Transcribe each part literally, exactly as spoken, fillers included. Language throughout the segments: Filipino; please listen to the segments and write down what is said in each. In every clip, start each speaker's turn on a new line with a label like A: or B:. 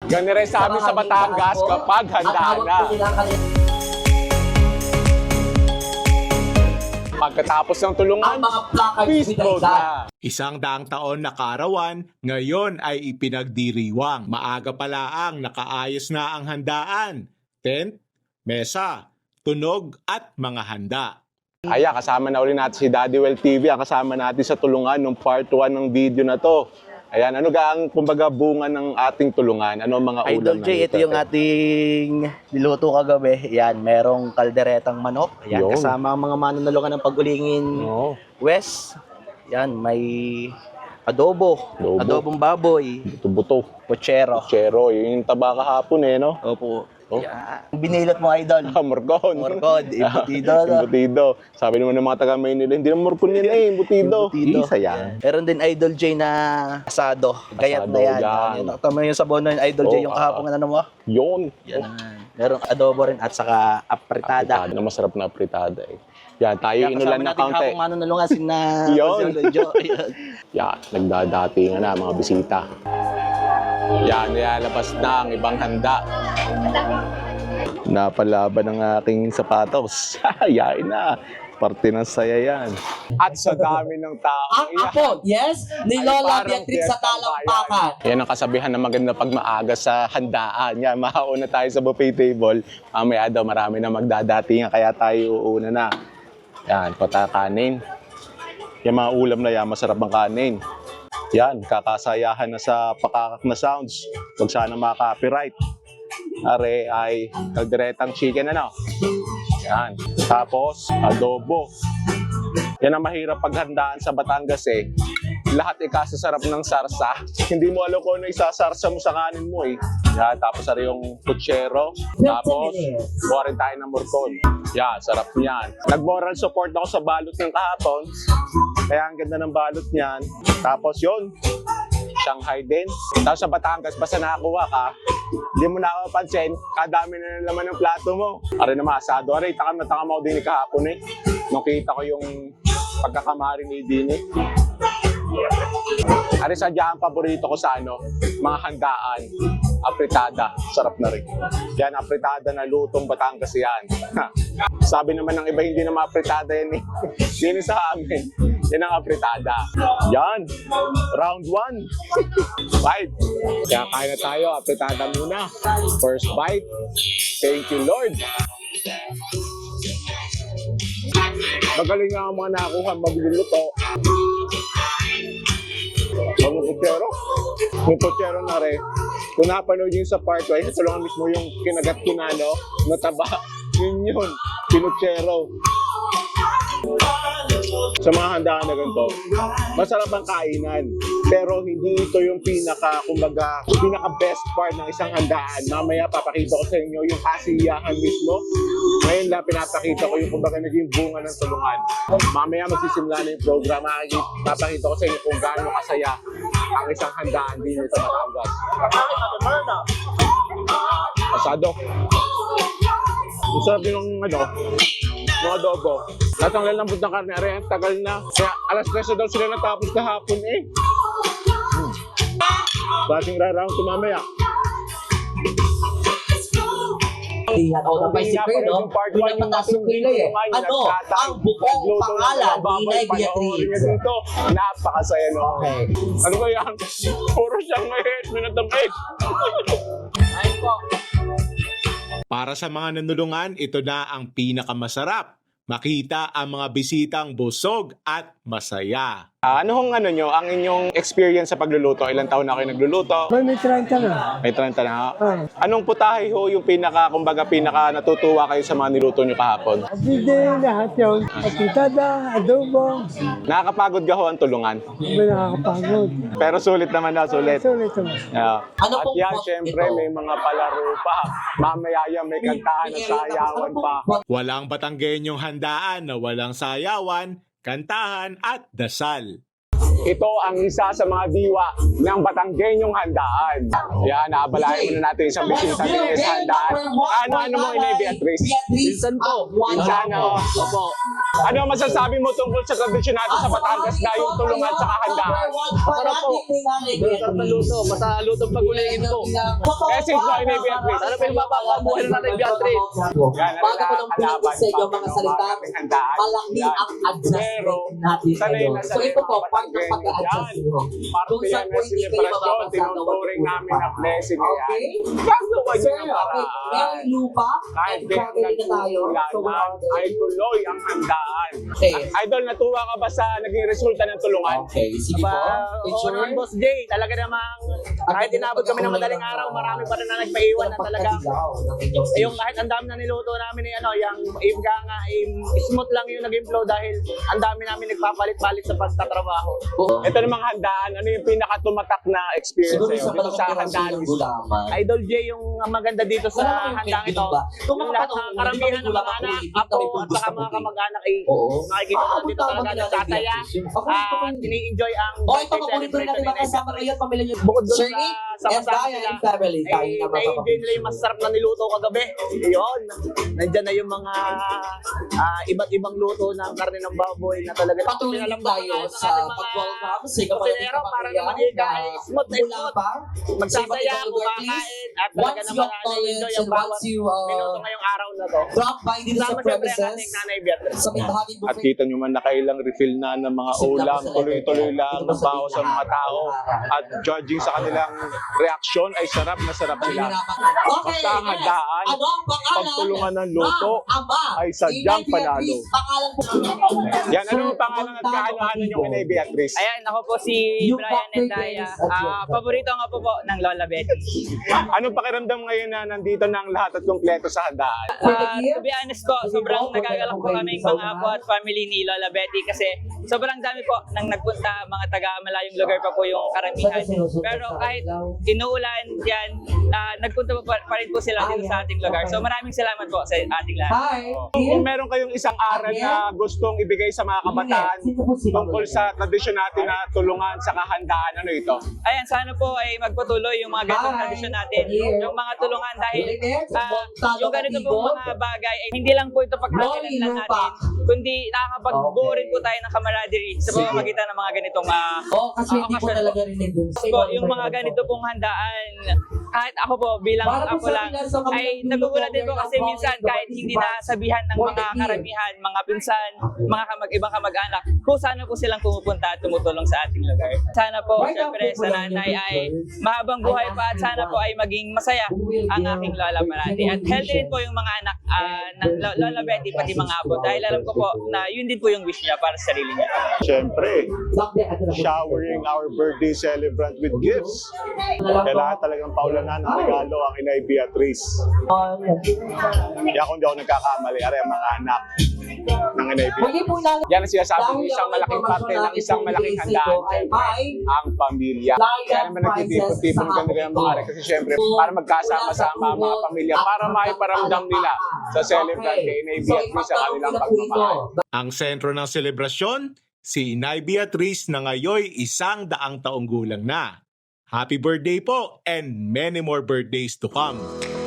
A: Ganun rin sa amin sa Batangas kapag handa na. Pagkatapos ng tulungan, peace mode na.
B: Isang daang taon na kaarawan, ngayon ay ipinagdiriwang. Maaga pala ang nakaayos na ang handaan. Tent, mesa, tunog at mga handa.
A: Ayan, kasama na ulit natin si Daddy Well T V. Kasama natin sa tulungan ng part one ng video na to. Ayan, ano ga ang kumbaga bunga ng ating tulungan? Ano ang mga ulam
C: Idol J, ito yung ating niluto kagabi. Yan, merong kalderetang manok. Yan,
A: Yun.
C: kasama ang mga manunulungan ng pagulingin
A: Oo.
C: West. Yan, may adobo,
A: Adobo.
C: adobong baboy,
A: Buto-buto.
C: pochero.
A: Chero, yun yung taba kahapon eh, no?
C: Opo.
A: Oh.
C: Yan. Binilot mo, Idol.
A: Ah, morcon.
C: Morcon, embutido, no?
A: Embutido. Sabi naman ng mga taga Maynila, hindi naman morcon yan eh, embutido.
C: Embutido.
A: Isa yan.
C: Meron din Idol J na asado. Gayat na yan.
A: yan.
C: Yan. Tama yung sabon na yun, Idol J,
A: Oh,
C: yung
A: ah.
C: kahapon ano mo.
A: Yun.
C: Yan. Merong adobo rin at saka apritada.
A: Apritada. Na masarap na apritada eh. Yan, tayo
C: Kaya
A: inulan
C: kasama
A: ng
C: natin
A: kaunti.
C: kahapon manunulungan si na
A: Yun.
C: Jo. Yan.
A: Yan, nagdadatingan na mga bisita. Yan, nilalabas na ang ibang handa. Napalaban ng aking sapatos. Yain na. Parte ng saya yan. At sa dami ng tao.
D: Ang apo, yes, ni
A: Ay,
D: Lola
A: parang
D: Beatrix sa
A: fiesta
D: Talampakan.
A: Yan ang kasabihan na maganda pag maaga sa handaan. Yan, mahauna tayo sa buffet table. Mamaya daw marami na magdadatingan kaya tayo uuna na. Yan, pata kanin. Yan mga ulam na yan, masarap ang kanin. Yan, kakasayahan na sa pakakak na sounds. Huwag sana maka-copyright. Are ay kalderetang chicken ano. Yan. Tapos, adobo. Yan ang mahirap paghandaan sa Batangas eh. Lahat ikasasarap ng sarsa. Hindi mo alam kung ano isasarsa mo sa kanin mo eh. Yan. Tapos ari yung puchero. Tapos, buha rin tayo ng morcon. Yan, sarap niyan. Nag-moral support ako sa balot ng kahapon. Kaya ang ganda ng balot niyan. Tapos yun, Shanghai din. Tapos sa Batangas, basta nakakuha ka, hindi mo nakapansin, kadami na ng laman ng plato mo. Ari naman, asado. Ari, takam na takam ako din kahapon eh. Nung kita ko yung pagkakamari ni Dini. Ari, sadya ang paborito ko sa ano, mga handaan. Apritada. Sarap na rin. Yan, apritada na lutong Batangas yan. Sabi naman ng iba, hindi na maapritada yan eh. Dini sa amin. Yan ang apritada. Yan. Round one. Bite. Kaya kain na tayo. Apritada muna. First bite. Thank you, Lord. Magaling nga ang mga nakuha magluluto. Ang puchero. Yung puchero na rin. Kung napanood yun sa part one, ito lang mismo yung kinagat ko na, no? Nataba. Yun yun. Pinuchero. Sa mga handaan na ganito, masarap ang kainan. Pero hindi ito yung pinaka, kumbaga, pinaka best part ng isang handaan. Mamaya papakita ko sa inyo yung kasiyahan mismo. Ngayon lang pinapakita ko yung kumbaga naging bunga ng tulungan. Mamaya magsisimula na yung program. Papakita ko sa inyo kung gaano kasaya ang isang handaan din sa Batangas. Asado. Ang sarap din ng ano, ng adobo. Lahat ang lalambot ng karne, aray, ang tagal na. Kaya alas tres daw sila natapos kahapon eh. Hmm. Bating raraang tumamaya.
D: Iyan ako ng bicycle, no? Doon na pataas yung kilay eh. Ano ang bukong pangalan ni Inay Beatrix?
A: Dito, napakasaya no.
D: Okay.
A: Ano ba yan? Puro siyang may minatamit.
D: Ayun po.
B: Para sa mga nanulungan, ito na ang pinakamasarap. Makita ang mga bisitang busog at masaya.
A: Ah, ano hong ano nyo, ang inyong experience sa pagluluto? Ilang taon na kayo nagluluto?
E: May may trenta na.
A: May trenta na.
E: Ah.
A: Anong putahe ho yung pinaka, kumbaga pinaka natutuwa kayo sa mga niluto nyo kahapon?
E: Hindi lahat yun. Apitada, adobo,
A: Nakakapagod ka ho ang tulungan.
E: may nakakapagod.
A: Pero sulit naman na, sulit.
E: Sulit naman.
A: Yeah.
D: Ano
A: At
D: pong
A: yan,
D: pot
A: syempre,
D: ito?
A: may mga palaro pa. Mamaya yan, may kantahan na sayawan pa.
B: Walang Batanggenyong handaan na walang sayawan, kantahan at dasal.
A: Ito ang isa sa mga diwa ng Batanggenyong handaan. Yan, naabalayan muna natin isang bisita din sa handaan. Ano-ano mo, Inay Beatrice?
D: Beatrice.
C: Pinsan ko.
D: One
A: Pinsan, oh.
C: Opo.
A: Ano ang masasabi mo tungkol sa tradisyon natin sa Batangas na yung tulungan sa handaan?
D: Para po.
F: Sarap na luto. Basta lutong pag-uligin ko.
A: Eh, since na Inay Beatrice,
F: Ano pa yung mapapabuhay na natin, Beatrice?
A: yan,
D: Bago ko nang
A: kalaban
D: pilitin sa inyo
A: pa
D: mga
A: ng
D: salita,
A: aming handaan.
D: malaki
A: Yan.
D: ang adjustment
A: Pero,
D: natin
A: sanay
D: ngayon.
A: na
D: So
A: sanay
D: ito
A: ang
D: po,
A: mga
D: part ng
A: Batangueño
D: pag-a-adjust
A: dyan.
D: nyo.
A: Parte
D: Kung
A: yan
D: saan
A: ng
D: po hindi kayo
A: selebrasyon,
D: mababasa na
A: tinuturing
D: walang
A: namin na blessing yan.
D: Okay?
A: Gagawa
D: Sir,
A: niyo ng
D: okay.
A: paraan.
D: May lupa
A: Kahit
D: and
A: di
D: traveling na tayo. So,
A: nagtulungan ay tuloy ang handaan.
D: Okay.
A: Idol, natuwa ka ba sa naging resulta ng tulungan?
D: Okay, sige po.
F: Oo naman, Boss Jay. Talaga namang kahit inabot kami ng madaling araw, marami pa rin na nagpaiwan na talaga. Yung kahit ang dami na niluto namin ni ano, yung yung nga nga, yung smooth lang yung naging flow dahil ang dami namin nagpapalit-palit sa pagtatrabaho.
A: Ito namang handaan, ano yung pinakatumatak na experience
D: Siguro
A: sa'yo
D: sa
A: dito sa handaan
D: ng
A: mismo?
D: gulaman.
F: Idol J, yung maganda dito sa handang ito, yung lahat ng karamihan ng mga anak, apo at saka mga kamag-anak ay
D: Oo.
F: makikita mo dito talaga nagtataya at ini-enjoy ang
D: Oh, ito
F: birthday
D: paborito rin natin
F: celebration ni
D: makasama
F: Nay
D: ngayon, pamilya niyo.
F: Bukod doon
D: Sir
F: sa
D: Nick and
F: sama-sama
D: Diane
F: nila,
D: and family. Tayo
F: ay
D: na
F: na-enjoy nila yung masarap na niluto kagabi. Yun. Nandyan na yung mga ah, iba't ibang luto ng karne ng baboy na talaga.
D: Patuloy lang tayo sa pag-welcome sa kapatid
F: Pero para naman yung guys, smooth na
D: mula
F: smooth.
D: pa.
F: Magsasaya, kumakain, at talaga
D: Once you
F: naman
D: acknowledge
F: na-enjoy
D: and
F: ang bawat
D: once you
F: minuto
D: uh,
F: ngayong araw na to.
D: drop by dito sa
F: Sama siyempre ang
D: premises,
F: ating nanay Beatrice.
D: sa may bahaging
A: At
D: buffet.
A: kita nyo man nakailang refill na ng mga ulam, tuloy-tuloy lang ang baho sa mga tao. At judging sa kanilang reaksyon ay sarap na sarap nila.
D: Okay,
A: Basta ang handaan,
D: ano ang pangalan?
A: pagtulungan ng luto
D: ng ama
A: ay sadyang
D: ni Inay
A: panalo.
D: Beatrice? Pangalan po.
A: Yan, ano ang pangalan at kaano-ano yung Inay Beatrice?
G: Ayan, ako po si
D: Yung
G: Brian
D: Doctor
G: and Daya.
D: Dennis at
G: Ah,
D: yung-
G: paborito nga po po ng Lola Betty.
A: Anong pakiramdam ngayon na nandito ng lahat at kumpleto sa handaan?
G: Ah, to be honest po, sobrang nagagalak po kaming mga apo at family ni Lola Betty kasi sobrang dami po nang nagpunta, mga taga malayong lugar pa po yung karamihan. Pero kahit inuulan yan, ah, nagpunta po pa, pa rin po sila dito sa ating lugar. So maraming salamat po sa ating lahat.
D: Hi.
A: Kung meron kayong isang aral na gustong ibigay sa mga kabataan tungkol sa tradisyon natin na tulungan sa kahandaan, ano ito?
G: Ayan, sana po ay magpatuloy yung mga ganitong
D: Bye.
G: tradisyon natin, yung mga tulungan dahil ah,
D: Talo
G: yung
D: ka
G: ganito
D: dito.
G: po mga bagay ay hindi lang po ito pagkakalan lang
D: Loli,
G: natin, kundi nakakapag-buo rin po
D: Okay.
G: tayo ng camaraderie sa pamamagitan ng mga ganitong ah,
D: Oo, kasi
G: Ah,
D: hindi ko
G: okasyon
D: talaga rinig dun.
G: po, yung mga ganito pong handaan. Kahit ako po bilang
D: Para po
G: ako
D: sa
G: lang
D: kanila, sa kabilang
G: ay
D: dulo
G: nagugulat din po
D: po,
G: kasi
D: ang
G: minsan
D: bawat
G: kahit hindi nasabihan ng
D: for
G: mga
D: the year.
G: karamihan, mga pinsan, mga kamag ibang kamag-anak, kung sana po silang pumupunta at tumutulong sa ating lugar. Sana po,
D: Right
G: syempre,
D: after po
G: sa
D: lang
G: nanay
D: yung
G: ay
D: picture,
G: mahabang buhay
D: ay
G: pa at sana po ay maging masaya ang aking lola parati. At healthy din po yung mga anak ah, ng lo- Lola Betty, pati mga apo. Dahil alam ko po na yun din po yung wish niya para sa sarili niya.
A: Siyempre, showering our birthday celebrant with gifts. Kailangan talagang paulanan ng regalo ang Inay Beatrice. Kaya kung di ako nagkakamali, ari ang mga anak ng Inay Beatrice.
D: Muli po lang.
A: Yan ang sinasabi ng isang malaking parte ng isang malaking handaan, siyempre, ang pamilya. Kaya naman nagtitipon-tipon kami rin ang mga ari kasi siyempre, para magkasama-sama ang mga pamilya, para maiparamdam nila sa celebrant kay Inay Beatrice ang kanilang pagmamahal.
B: Ang sentro ng selebrasyon, si Inay Beatrice na ngayon isang daang taong gulang na. Happy birthday po and many more birthdays to come.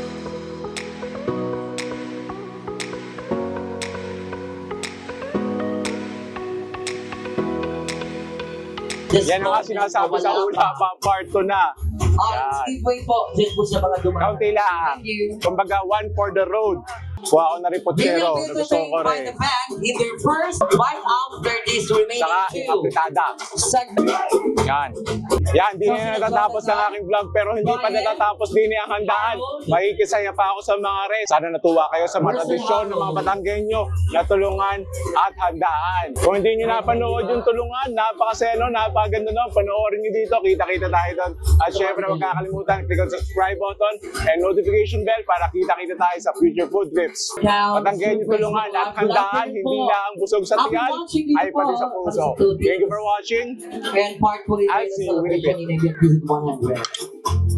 A: Yan ang nga sinasabi sa una pa, part two na.
D: Ah, Speedway po. Diyan po sa mga dumaan.
A: Kaunti lang.
D: Thank you.
A: Kumbaga, one for the road. Kuha ko na rin
D: They will
A: potsero.
D: be
A: Gusto ko
D: entertained by
A: rin.
D: the band in their first white after these remaining
A: Saka,
D: two
A: apritada.
D: segments.
A: Yan. Yan, di na natatapos ang aking vlog pero hindi pa natatapos din ang handaan. Makikisaya pa ako sa mga res. Sana natuwa kayo sa mga tradisyon ng mga Batanggenyo na tulungan at handaan. Kung hindi nyo napanood yung tulungan, napakaseno, napakaganda nun. Panoorin nyo dito, kita-kita tayo doon. At syempre, huwag kakalimutan, click on subscribe button and notification bell para kita-kita tayo sa future food trips. Batanggenyo tulungan at handaan, hindi lang busog sa tiyan, ay pati sa puso. Thank you for watching.
D: And part po rin
A: I'll
D: ng
A: see you in a
D: celebration
A: bit.
D: in one hundred.